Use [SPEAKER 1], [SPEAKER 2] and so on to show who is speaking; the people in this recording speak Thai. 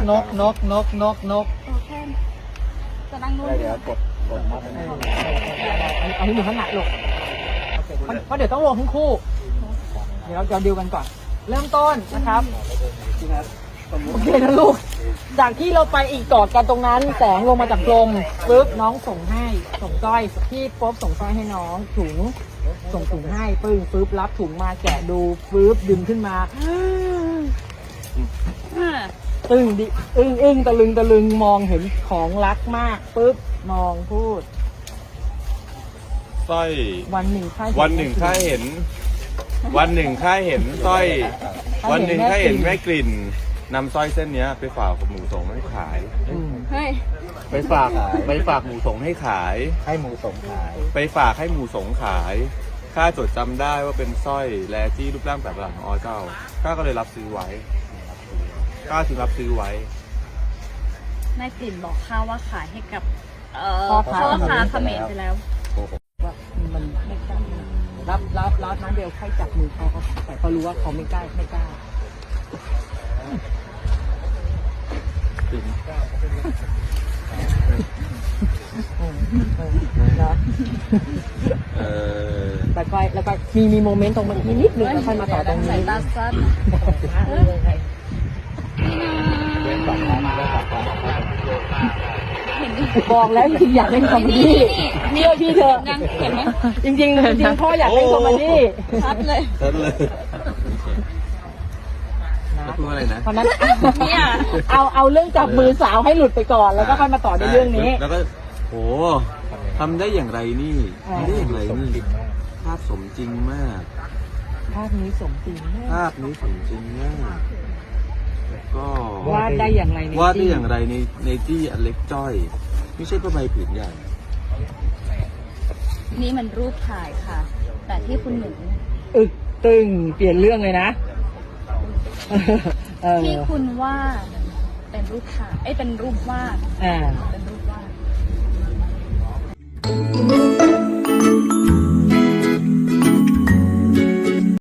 [SPEAKER 1] แค่จะนั่งนู่น
[SPEAKER 2] เดี๋ยวกดมัด
[SPEAKER 3] เอาที่มือข้างหน้าลูกเพราะเดี๋ยวต้องลงทั้งคู่เดี๋ยวเราดิวกันก่อนเริ่มต้นนะครับโอเคนะลูกจากที่เราไปอีกกอดกันตรงนั้นแสงลงมาจากลมปึ๊บน้องส่งสร้อยพี่ป๊บส่งสร้อยให้น้องถุงส่งถุงให้ปึ๊บรับถุงมาแกะดูปึ๊บดึงขึ้นมาตึงดิอึ้งตะลึงมองเห็นของรักมากปึ๊บมองพูด
[SPEAKER 4] สร้อย
[SPEAKER 3] วันหนึ่งข้าเห็น
[SPEAKER 4] วันหนึ่งข้าเห็นสร้อยวันหนึ่งข้าเห็นแม่กลิ่นนำสร้อยเส้นเนี้ยไปฝากหมูสงให้ขาย
[SPEAKER 1] เฮ้ย
[SPEAKER 4] ไปฝากหมูสงให้ขาย
[SPEAKER 2] ให้หมูสงขาย
[SPEAKER 4] ไปฝากให้หมูสงขายข้าจดจำได้ว่าเป็นสร้อยแลจี้รูปร่างแบบหลังของอเจ้าข้าก็เลยรับซื้อไว้ข้าถึงรับซื้อไว้
[SPEAKER 1] แม่กลิ่นบอกข้าว่าขายให้กับ
[SPEAKER 3] พ่อ
[SPEAKER 1] พ่อ
[SPEAKER 3] ค้า
[SPEAKER 1] ค้าเขมรไปแล้ว
[SPEAKER 3] ว่ามันไม่กล้ารับนั้นเบลค่อยจับมือเขาแต่เขารู้ว่าเขาไม่กล้านะ แล้วก็มีโมเมนต์ตรงเมื่อกี้นิดนึงแล้วค่อยมาต่อตรงนี้
[SPEAKER 1] สายตาสั้น
[SPEAKER 3] บอกแล้วจริงๆอยากเล่นคอมเมดี้นี่พี่เธอ
[SPEAKER 1] ยังเห็นไหม
[SPEAKER 3] จริงพ่ออยากเล่นคอมเมดี้
[SPEAKER 1] ชัดเลย
[SPEAKER 4] พูดอะไรนะ
[SPEAKER 3] เพราะนั้น
[SPEAKER 1] เนี่ย
[SPEAKER 3] เอาเรื่องจับมือสาวให้หลุดไปก่อนแล้วก็ค่อยมาต่อในเรื่องนี้
[SPEAKER 4] แล้วก็โหทำได้อย่างไรนี่ทำได้อย่างไรนี่ภาพสมจริงมาก
[SPEAKER 3] ภาพนี้สมจริงมาก
[SPEAKER 4] ภาพนี้สมจริงมากก็
[SPEAKER 3] วาดได้อย่างไรใน
[SPEAKER 4] วาดได้อย่างไรในที่อันเล็กจ้อย ไม่ใช่ผ้าใบผืนใหญ่
[SPEAKER 1] นี่มันรูปถ่ายค่ะ แต่ที่คุณหนู
[SPEAKER 3] อึกตึงเปลี่ยนเรื่องเลยนะ
[SPEAKER 1] ที่คุณว่าเป็นรูปถ่ายเป็นรูปวาด
[SPEAKER 3] อ่า
[SPEAKER 1] เป็นรูปวาด